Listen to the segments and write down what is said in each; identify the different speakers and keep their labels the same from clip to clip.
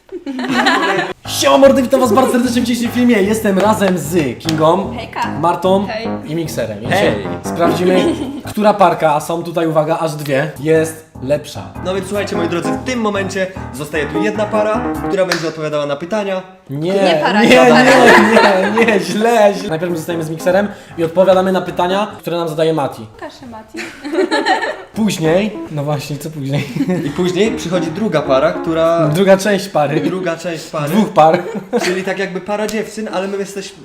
Speaker 1: Siema mordy, witam was bardzo serdecznie w dzisiejszym filmie. Jestem razem z Kingą,
Speaker 2: Hejka.
Speaker 1: Martą
Speaker 2: Hej.
Speaker 1: i Mikserem. I
Speaker 3: Hej.
Speaker 1: dzisiaj sprawdzimy, która parka, a są tutaj, uwaga, aż dwie, jest lepsza.
Speaker 3: No więc słuchajcie moi drodzy, w tym momencie zostaje tu jedna para, która będzie odpowiadała na pytania.
Speaker 2: Nie para,
Speaker 1: nie,
Speaker 2: nie para.
Speaker 1: nie, źle. Najpierw my zostajemy z Mikserem i odpowiadamy na pytania, które nam zadaje Mati.
Speaker 2: Kaszę Mati.
Speaker 1: Później, no właśnie, co później?
Speaker 3: I później przychodzi druga para, która...
Speaker 1: Druga część pary.
Speaker 3: Druga część pary.
Speaker 1: Dwóch par.
Speaker 3: Czyli tak jakby para dziewczyn, ale my jesteśmy...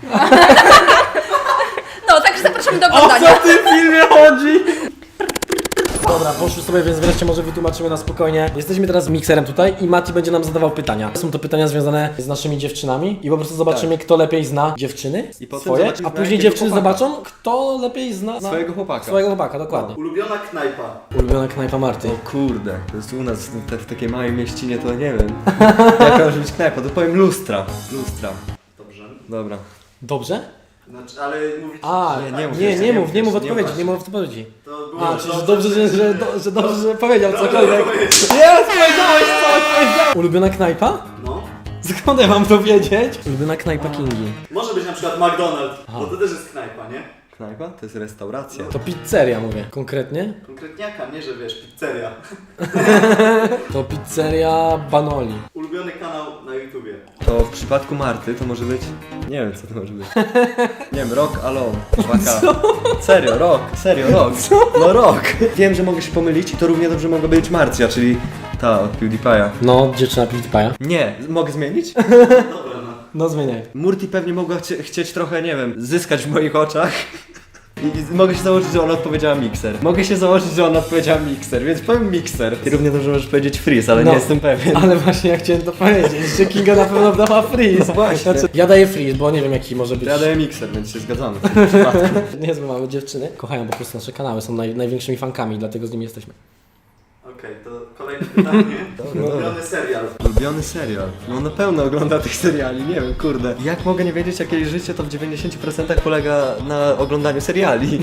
Speaker 2: No, także zapraszamy do
Speaker 1: O co
Speaker 2: oglądania.
Speaker 1: w tym filmie chodzi? Dobra, poszły sobie, więc wreszcie może wytłumaczymy na spokojnie. Jesteśmy teraz z Mikserem tutaj i Mati będzie nam zadawał pytania. Są to pytania związane z naszymi dziewczynami i po prostu zobaczymy, kto lepiej zna dziewczyny
Speaker 3: I potem
Speaker 1: swoje,
Speaker 3: zobaczymy,
Speaker 1: a później
Speaker 3: jakiego
Speaker 1: dziewczyny
Speaker 3: chłopaka.
Speaker 1: zobaczą, kto lepiej zna
Speaker 3: Swojego chłopaka.
Speaker 1: Swojego chłopaka, dokładnie.
Speaker 4: Ulubiona knajpa.
Speaker 1: Ulubiona knajpa Marty.
Speaker 3: O kurde, to jest u nas w takiej małej mieścinie, to nie wiem. Jaka może być knajpa, to powiem lustra. Lustra.
Speaker 4: Dobrze.
Speaker 3: Dobra.
Speaker 1: Dobrze?
Speaker 4: Znaczy, ale mówić...
Speaker 1: A,
Speaker 3: Nie, nie mów
Speaker 1: nie,
Speaker 3: jeszcze,
Speaker 1: nie
Speaker 3: nie
Speaker 1: mów,
Speaker 3: mów
Speaker 1: nie mów
Speaker 3: jeszcze, nie
Speaker 1: odpowiedzi,
Speaker 3: mów.
Speaker 1: nie mów odpowiedzi.
Speaker 4: To było
Speaker 1: A, czyli że dobrze, że dobrze, że powiedział cokolwiek.
Speaker 4: powiedzieć.
Speaker 1: Jest, powiedziałeś coś, powiedziałeś. Ulubiona knajpa?
Speaker 4: No.
Speaker 1: Skąd ja mam to wiedzieć? Ulubiona knajpa Kingi.
Speaker 4: Może być na przykład McDonald's, bo to też jest knajpa, nie?
Speaker 3: Knajpa? To jest restauracja.
Speaker 1: To pizzeria mówię. Konkretnie?
Speaker 4: Konkretniaka, nie że wiesz, pizzeria.
Speaker 1: To pizzeria Banoli.
Speaker 4: Ulubiony kanał na YouTubie.
Speaker 3: To w przypadku Marty to może być... Nie wiem co to może być. Nie wiem, Rock Alone. 2K. Serio, Rock. No Rock. Wiem, że mogę się pomylić i to równie dobrze mogła być Marcia, czyli ta od PewDiePie'a.
Speaker 1: No, dziewczyna PewDiePie'a.
Speaker 3: Nie, mogę zmienić?
Speaker 4: Dobra, no.
Speaker 1: No zmieniaj.
Speaker 3: Murti pewnie mogła chcieć trochę, nie wiem, zyskać w moich oczach. I mogę się założyć, że ona odpowiedziała Mixer. Mogę się założyć, że ona odpowiedziała Mixer, więc powiem Mixer. Ty równie dobrze możesz powiedzieć Freeze, ale
Speaker 1: No.
Speaker 3: nie jestem pewien.
Speaker 1: Ale właśnie ja chciałem to powiedzieć, że Kinga na pewno dała freeze.
Speaker 3: No właśnie.
Speaker 1: Ja daję freeze, bo nie wiem jaki może być.
Speaker 3: Ja daję Mixer, więc się zgadzamy w tym przypadku.
Speaker 1: Niezłe mamy dziewczyny. Kochają po prostu nasze kanały, są największymi fankami, dlatego z nimi jesteśmy.
Speaker 4: Okej, to kolejne pytanie.
Speaker 3: Dobra.
Speaker 4: Ulubiony serial.
Speaker 3: Ulubiony serial. No na pewno ogląda tych seriali, nie wiem, kurde. Jak mogę nie wiedzieć, jakie życie to w 90% polega na oglądaniu seriali?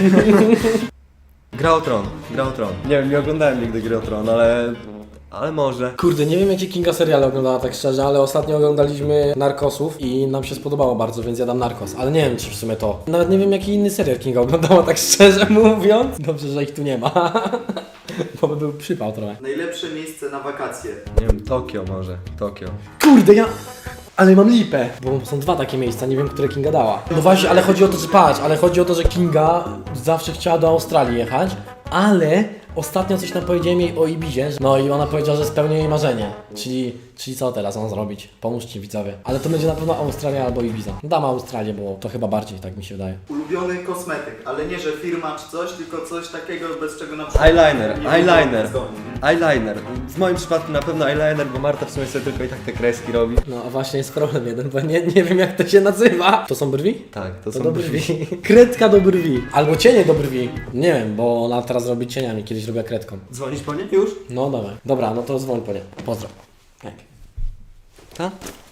Speaker 3: Gra o Tron. Nie wiem, nie oglądałem nigdy Gry o Tron, ale może.
Speaker 1: Kurde, nie wiem jakie Kinga seriale oglądała tak szczerze, ale ostatnio oglądaliśmy Narcosów i nam się spodobało bardzo, więc ja dam Narcos. Ale nie wiem czy w sumie to. Nawet nie wiem jaki inny serial Kinga oglądała tak szczerze mówiąc. Dobrze, że ich tu nie ma. Bo by był przypał trochę.
Speaker 4: Najlepsze miejsce na wakacje.
Speaker 3: Nie wiem, Tokio może. Tokio.
Speaker 1: Kurde, ale mam lipę, bo są dwa takie miejsca, nie wiem, które Kinga dała. No właśnie, ale chodzi o to, że patrz, ale chodzi o to, że Kinga zawsze chciała do Australii jechać, ale ostatnio coś nam powiedziałem jej o Ibizie, no i ona powiedziała, że spełni jej marzenie. Czyli co teraz mam zrobić? Pomóżcie widzowie. Ale to będzie na pewno Australia albo Ibiza. Dam Australię, bo to chyba bardziej, tak mi się wydaje.
Speaker 4: Ulubiony kosmetyk, ale nie że firma czy coś, tylko coś takiego, bez czego na przykład...
Speaker 3: Eyeliner.
Speaker 4: nie
Speaker 3: Eyeliner.
Speaker 4: zgodnie, nie?
Speaker 3: Eyeliner. W moim przypadku na pewno eyeliner, bo Marta w sumie sobie tylko i tak te kreski robi.
Speaker 1: No a właśnie jest problem jeden, bo nie wiem jak to się nazywa. To są brwi?
Speaker 3: Tak,
Speaker 1: To
Speaker 3: to są
Speaker 1: do brwi. Kredka do brwi. Albo cienie do brwi. Nie wiem, bo ona teraz robi cieniami, kiedyś robiła kredką.
Speaker 3: Dzwonisz po nie? Już?
Speaker 1: No dawaj. Dobra, no to dzwoń po nie. Pozdro. Tak.
Speaker 3: Tak?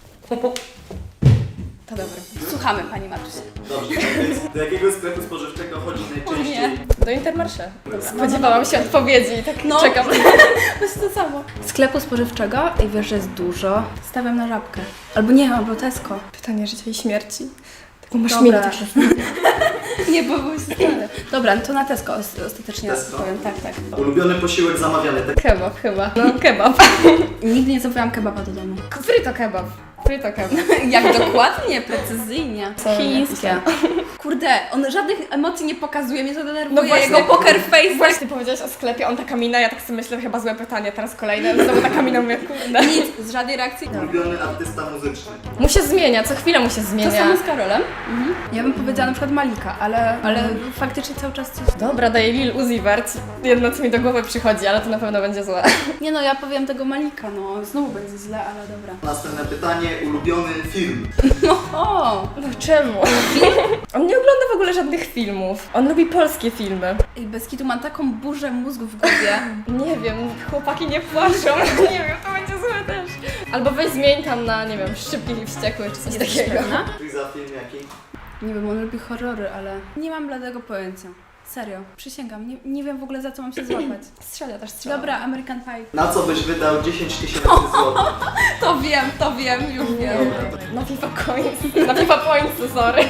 Speaker 2: To dobre. Słuchamy pani Matusie.
Speaker 4: Dobrze, więc do jakiego sklepu spożywczego chodzi najczęściej?
Speaker 5: Do Intermarché. Spodziewałam się odpowiedzi i tak czekam.
Speaker 2: To jest to samo. Sklepu spożywczego i wiesz, że jest dużo. Stawiam na Żabkę. Albo nie, albo Tesco.
Speaker 5: Pytanie życia i śmierci. Taką masz
Speaker 2: Dobra.
Speaker 5: minę takie.
Speaker 2: Nie, bo były stare. Dobra, no to na Tesco ostatecznie
Speaker 4: Tesco?
Speaker 2: powiem. Tak.
Speaker 4: Ulubiony posiłek zamawiany.
Speaker 5: Kebab chyba. No kebab.
Speaker 2: Nigdy nie zrobiłam kebaba do domu.
Speaker 5: Frito kebab.
Speaker 2: Jak dokładnie, precyzyjnie.
Speaker 5: Co
Speaker 2: Chińskie. Kurde, on żadnych emocji nie pokazuje, mnie to denerwuje.
Speaker 5: No właśnie.
Speaker 2: Jego poker face.
Speaker 5: Właśnie ty powiedziałaś o sklepie, on taka mina, ja tak sobie myślę, chyba złe pytanie, teraz kolejne, znowu taka mina, mówię, kurde.
Speaker 2: Nic, z żadnej reakcji.
Speaker 4: Ulubiony artysta muzyczny.
Speaker 5: Mu się zmienia, co chwilę mu się
Speaker 2: To
Speaker 5: zmienia.
Speaker 2: samo z Karolem. Ja bym powiedziała na przykład Malika, ale faktycznie cały czas coś...
Speaker 5: Dobra, daję Lil Uzi Vert. Jedno co mi do głowy przychodzi, ale to na pewno będzie złe.
Speaker 2: Nie no, ja powiem tego Malika, no znowu będzie źle, ale dobra.
Speaker 4: Następne pytanie. Ulubiony film.
Speaker 2: O!
Speaker 5: No czemu? On nie ogląda w ogóle żadnych filmów. On lubi polskie filmy.
Speaker 2: Ej, bez kitu mam taką burzę mózgu w głowie.
Speaker 5: Nie wiem, chłopaki nie płaczą. Nie wiem, to będzie złe też. Albo weź zmień tam na, nie wiem, Szybkich i Wściekłych czy coś
Speaker 2: Jesteś
Speaker 5: takiego.
Speaker 2: pewna?
Speaker 4: Ty za film jaki?
Speaker 2: Nie wiem, on lubi horrory, ale nie mam bladego pojęcia. Serio, przysięgam, nie wiem w ogóle za co mam się złapać.
Speaker 5: Strzeля też strzela.
Speaker 2: Dobra, American Pie.
Speaker 4: Na co byś wydał 10 000 złotych?
Speaker 2: To wiem, już wiem.
Speaker 5: Na FIFA Coins. Na FIFA Points, sorry.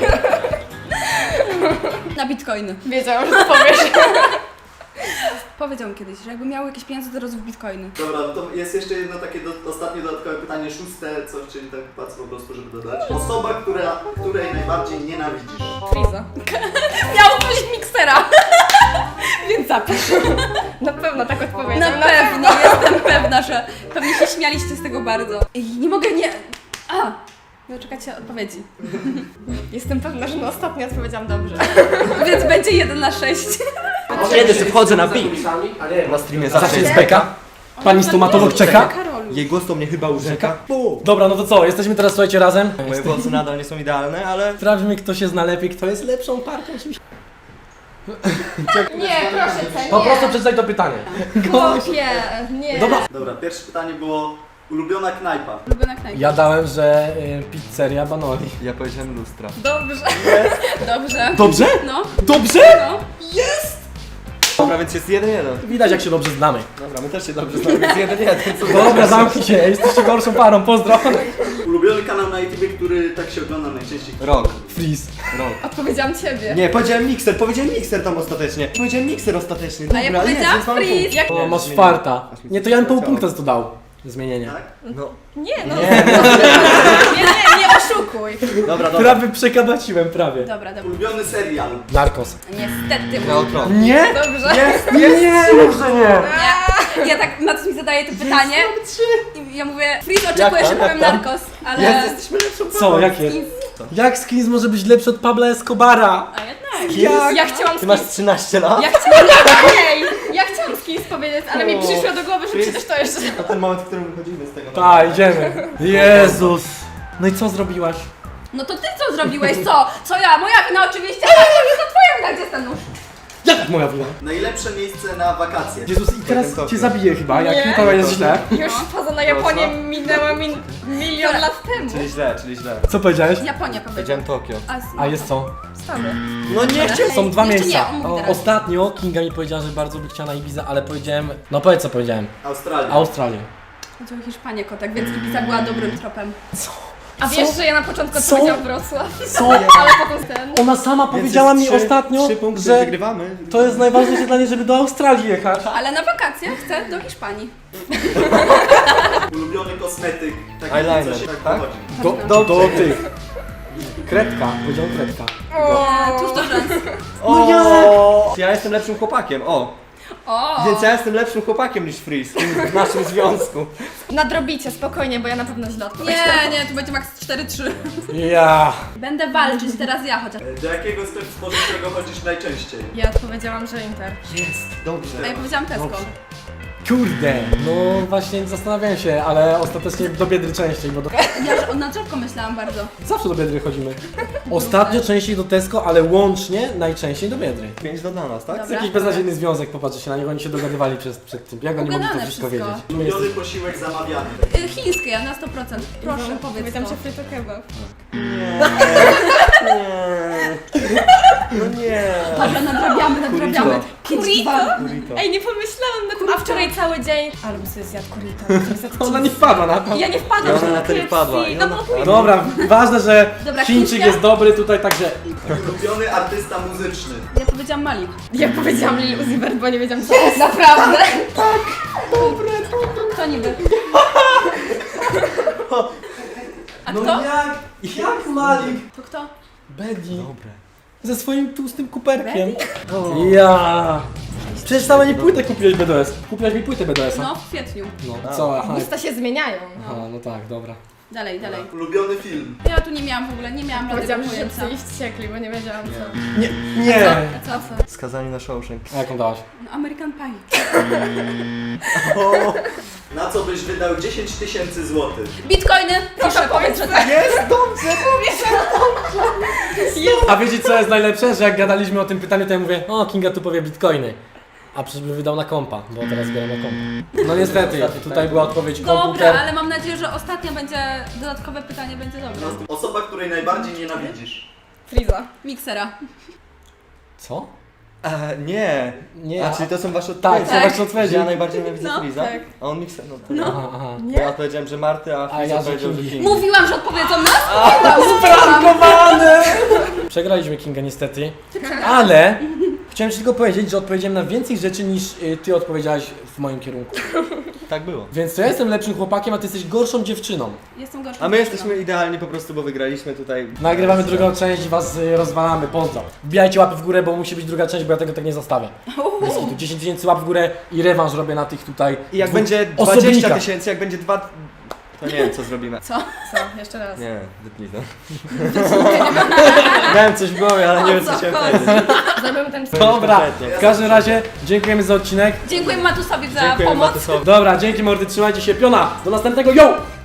Speaker 2: Na bitcoiny.
Speaker 5: Wiedziałam, że to powiesz.
Speaker 2: Powiedział mi kiedyś, że jakby miał jakieś pieniądze, to roz w bitcoiny.
Speaker 4: Dobra, no to jest jeszcze jedno takie ostatnie dodatkowe pytanie, szóste, coś, czyli tak patrz po prostu, żeby dodać. Osoba, której najbardziej nienawidzisz.
Speaker 5: Friza.
Speaker 2: Miał być miksera! Więc zapisz.
Speaker 5: Na pewno tak
Speaker 2: Na
Speaker 5: odpowiedział.
Speaker 2: pewno, jestem pewna, że pewnie się śmialiście z tego bardzo. I nie mogę nie... Doczekajcie odpowiedzi.
Speaker 5: Jestem pewna, że na ostatnie odpowiedziałam dobrze.
Speaker 2: Więc będzie 1 na 6.
Speaker 3: Kiedy sobie wchodzę na beat. Na streamie
Speaker 1: Zawsze jest beka. Pani stomatolog czeka.
Speaker 3: Jej głos to mnie chyba urzeka.
Speaker 1: Dobra, no to co? Jesteśmy teraz, słuchajcie, razem.
Speaker 3: Moje włosy nadal nie są idealne, ale...
Speaker 1: Sprawdźmy, kto się zna lepiej, kto jest lepszą partią.
Speaker 5: Nie, proszę cię,
Speaker 1: Po prostu
Speaker 5: nie.
Speaker 1: przeczytaj to pytanie.
Speaker 5: Chłopie, nie.
Speaker 1: Dobra.
Speaker 4: Dobra, pierwsze pytanie było ulubiona knajpa.
Speaker 2: Ulubiona knajpa.
Speaker 1: Ja dałem, że pizzeria Banoli.
Speaker 3: Ja powiedziałem lustra.
Speaker 5: Dobrze.
Speaker 2: Dobrze.
Speaker 1: Dobrze?
Speaker 2: No,
Speaker 1: Dobrze?
Speaker 2: no.
Speaker 3: Dobra, więc jest 1-1.
Speaker 1: Widać, jak się dobrze znamy.
Speaker 3: Dobra, my też się dobrze znamy, jest 1-1.
Speaker 1: Dobra, zamknij się, jesteście gorszą parą, pozdro.
Speaker 4: Ulubiony kanał na YouTube, który tak się ogląda najczęściej.
Speaker 3: Rok.
Speaker 1: Freeze.
Speaker 3: Rok.
Speaker 5: Odpowiedziałam ciebie.
Speaker 3: Nie, powiedziałem mikser tam ostatecznie. Powiedziałem mikser ostatecznie. Dobra,
Speaker 2: A ja powiedziałam
Speaker 3: więc mamy punkt.
Speaker 2: freeze.
Speaker 5: Jak...
Speaker 1: O, masz farta. Nie, to ja bym pół punkta za to dał. Zmienienie.
Speaker 4: Tak?
Speaker 3: No,
Speaker 5: Nie, no.
Speaker 1: Nie,
Speaker 5: Nie oszukuj.
Speaker 3: dobra, dobra.
Speaker 1: prawie przekabaciłem, prawie.
Speaker 2: Dobra.
Speaker 4: Ulubiony serial.
Speaker 1: Narkos.
Speaker 2: Niestety.
Speaker 3: Na otron.
Speaker 1: Nie?
Speaker 5: Dobrze.
Speaker 1: Nie, dobrze nie.
Speaker 2: Nie. Ja tak, Matus mi zadaje to pytanie i ja mówię, Freeze oczekuje, że powiem narkos, ale...
Speaker 3: Jesteśmy lepszą
Speaker 1: Co, jakie?
Speaker 2: Skins.
Speaker 1: Jak Skins może być lepszy od Pabla Escobara?
Speaker 2: A jednak.
Speaker 5: Ja chciałam
Speaker 3: Ty masz
Speaker 5: skins.
Speaker 3: 13 lat?
Speaker 5: Ja chciałam skins powiedzieć, ale mi przyszło do głowy, że przecież to jeszcze...
Speaker 3: Na ten moment, w którym wychodzimy z tego.
Speaker 1: Tak, idziemy. Jezus. No i co zrobiłaś?
Speaker 2: No to ty co zrobiłeś? Co ja? Moja wina oczywiście, ale to twoja wina, gdzie jest ten nóż?
Speaker 1: Jak moja wina?
Speaker 4: Najlepsze miejsce na wakacje.
Speaker 1: Jezus, i teraz
Speaker 3: Tokio.
Speaker 1: cię zabiję chyba, jak
Speaker 5: Nie.
Speaker 1: to jest źle.
Speaker 5: Już faza na Japonię minęła milion lat temu.
Speaker 3: Czyli źle.
Speaker 1: Co powiedziałeś?
Speaker 2: Japonia powiedział.
Speaker 3: Powiedziałem Tokio.
Speaker 1: A jest co?
Speaker 5: Stany.
Speaker 3: No nie chciałem.
Speaker 1: Są dwa
Speaker 2: Jeszcze
Speaker 1: miejsca.
Speaker 2: nie, on mówi teraz.
Speaker 1: Ostatnio Kinga mi powiedziała, że bardzo by chciała na Ibizę, ale powiedziałem... No powiedz co powiedziałem.
Speaker 4: Australia.
Speaker 1: Australię.
Speaker 2: Chodziło o Hiszpanię kotek, więc Ibiza była dobrym tropem.
Speaker 5: A wiesz, że ja na początku
Speaker 1: Co?
Speaker 5: odpowiedziałam Wrocław,
Speaker 1: Co?
Speaker 5: ale potem ten...
Speaker 1: Ona sama powiedziała mi ostatnio,
Speaker 3: 3 punkty
Speaker 1: że
Speaker 3: wygrywamy.
Speaker 1: to jest najważniejsze dla niej, żeby do Australii jechać.
Speaker 2: Ale na wakacje chcę do Hiszpanii.
Speaker 4: Ulubiony kosmetyk. Taki,
Speaker 3: Eyeliner,
Speaker 4: co się tak
Speaker 3: tak?
Speaker 4: pochodzi.
Speaker 1: Do tych. Kredka, powiedział kredka.
Speaker 2: Tuż do rzęs.
Speaker 3: No ja jestem lepszym chłopakiem, o.
Speaker 2: O!
Speaker 3: Więc ja jestem lepszym chłopakiem niż Freeze w naszym związku.
Speaker 5: Nadrobicie, spokojnie, bo ja na pewno źle odpowiedziałam.
Speaker 2: Nie, tu będzie max 4-3.
Speaker 1: Ja.
Speaker 2: Będę walczyć teraz ja chociaż.
Speaker 4: Do jakiego sklepu spożywczego chodzisz najczęściej?
Speaker 5: Ja odpowiedziałam, że Inter.
Speaker 3: Dobrze.
Speaker 2: A ja powiedziałam Tesco.
Speaker 1: Kurde, no właśnie zastanawiałem się, ale ostatecznie do Biedry częściej, bo
Speaker 2: Ja na drzewko myślałam bardzo.
Speaker 1: zawsze do Biedry chodzimy. Ostatnio częściej do Tesco, ale łącznie najczęściej do Biedry.
Speaker 3: 5 do dla nas, tak?
Speaker 1: To
Speaker 2: Dobra.
Speaker 1: jest jakiś beznadziejny związek, popatrzcie się na niego, oni się dogadywali przed tym. Jak oni mogli to
Speaker 2: Ugadane
Speaker 1: wszystko
Speaker 2: wszystko.
Speaker 1: wiedzieć? My
Speaker 4: Ulubiony
Speaker 1: jesteśmy...
Speaker 4: posiłek zamawiany.
Speaker 2: Chińskie, ja na 100%. Proszę, powiedz
Speaker 5: Powiedziałam,
Speaker 2: to.
Speaker 5: że frito kebab.
Speaker 3: No nie.
Speaker 2: Dobra, nadrabiamy.
Speaker 3: Burrito.
Speaker 2: 5-2.
Speaker 3: Burrito.
Speaker 5: Ej, nie pomyślałam na tym, a wczoraj cały dzień... Albo sobie zjadł kurito.
Speaker 1: Ona nie wpadła na to.
Speaker 2: Ja nie wpadłam.
Speaker 3: Ona na ten
Speaker 5: KFC.
Speaker 3: wpadła.
Speaker 2: No bo
Speaker 1: Dobra, ważne, że
Speaker 2: Dobra,
Speaker 1: Chińczyk
Speaker 2: chińska.
Speaker 1: jest dobry tutaj, także...
Speaker 4: Ulubiony artysta muzyczny.
Speaker 2: ja powiedziałam Malik.
Speaker 5: Ja powiedziałam Lil Uzi Vert, bo nie wiedziałam co jest. Naprawdę?
Speaker 2: Kto niby? A
Speaker 1: No
Speaker 2: kto?
Speaker 1: jak Malik?
Speaker 2: To kto?
Speaker 1: Bedi.
Speaker 3: Dobre.
Speaker 1: Ze swoim tłustym kuperkiem. Ja. Przecież sama nie płytę kupiłeś BDS. Kupiłaś mi płytę BDS-a.
Speaker 2: No, w kwietniu.
Speaker 1: No, co? Aha,
Speaker 5: Usta się zmieniają.
Speaker 1: aha, no tak, dobra.
Speaker 2: Dalej.
Speaker 4: Ulubiony film.
Speaker 2: Ja tu nie miałam w ogóle, nie miałam żadnego
Speaker 5: Powiedziałam, że
Speaker 2: pojęcia.
Speaker 5: się iść ciekli, bo nie wiedziałam co.
Speaker 1: Nie.
Speaker 2: A co?
Speaker 3: Skazani na Shawshank.
Speaker 1: A jaką dałaś?
Speaker 2: No, American Pie.
Speaker 4: Na co byś wydał 10 000 złotych?
Speaker 2: Bitcoiny! Proszę, powiedz, że tak.
Speaker 3: Jest dobrze!
Speaker 1: A wiecie co jest najlepsze? Że jak gadaliśmy o tym pytaniu, to ja mówię, o Kinga tu powie bitcoiny. A przecież by wydał na kompa, bo teraz zbieram na kompa. No niestety, tutaj była odpowiedź
Speaker 2: Dobra,
Speaker 1: komputer.
Speaker 2: ale mam nadzieję, że ostatnia będzie, dodatkowe pytanie będzie dobre.
Speaker 4: Osoba, której najbardziej nienawidzisz.
Speaker 5: Friza.
Speaker 2: Miksera.
Speaker 1: Co?
Speaker 3: Nie.
Speaker 1: Nie,
Speaker 3: A czyli to są wasze
Speaker 1: Tak,
Speaker 3: odpowiedzi?
Speaker 1: to wasze odpowiedzi.
Speaker 3: Że ja najbardziej nienawidzę
Speaker 2: No,
Speaker 3: Freeza?
Speaker 5: tak.
Speaker 3: A on miksa? No.
Speaker 1: Aha, aha.
Speaker 3: Bo ja odpowiedziałem, że Marty, a Freeza
Speaker 1: ja, że
Speaker 3: odpowiedział, że
Speaker 1: Kingi.
Speaker 3: Kingi.
Speaker 2: Mówiłam, że odpowiedzą nas?
Speaker 1: Sprankowany! Przegraliśmy Kinga niestety, ale chciałem ci tylko powiedzieć, że odpowiedziałem na więcej rzeczy niż ty odpowiedziałaś w moim kierunku.
Speaker 3: Tak było.
Speaker 1: Więc to ja jestem lepszym chłopakiem, a ty jesteś gorszą dziewczyną.
Speaker 2: Jestem gorsza.
Speaker 3: A my jesteśmy idealni po prostu, bo wygraliśmy tutaj.
Speaker 1: Nagrywamy drugą część i was rozwalamy, pozdro. Wbijajcie łapy w górę, bo musi być druga część, bo ja tego tak nie zostawię. Bez kitu. 10 tysięcy łap w górę i rewanż robię na tych tutaj
Speaker 3: I jak
Speaker 1: dwóch
Speaker 3: będzie 20
Speaker 1: osobnikach.
Speaker 3: tysięcy, jak będzie 2... To nie wiem, co zrobimy.
Speaker 2: Co?
Speaker 5: Co? Jeszcze raz.
Speaker 3: Nie, wytnij to. Miałem coś w głowie, ale nie wiem, co chciałem powiedzieć.
Speaker 5: Zrobimy ten
Speaker 1: Dobra,
Speaker 3: Kompletnie.
Speaker 1: w każdym razie dziękujemy za odcinek.
Speaker 2: Dziękuję Matusowi za
Speaker 3: Dziękuję
Speaker 2: pomoc.
Speaker 3: Matusowi.
Speaker 1: Dobra, dzięki mordy, trzymajcie się, piona, do następnego, yo!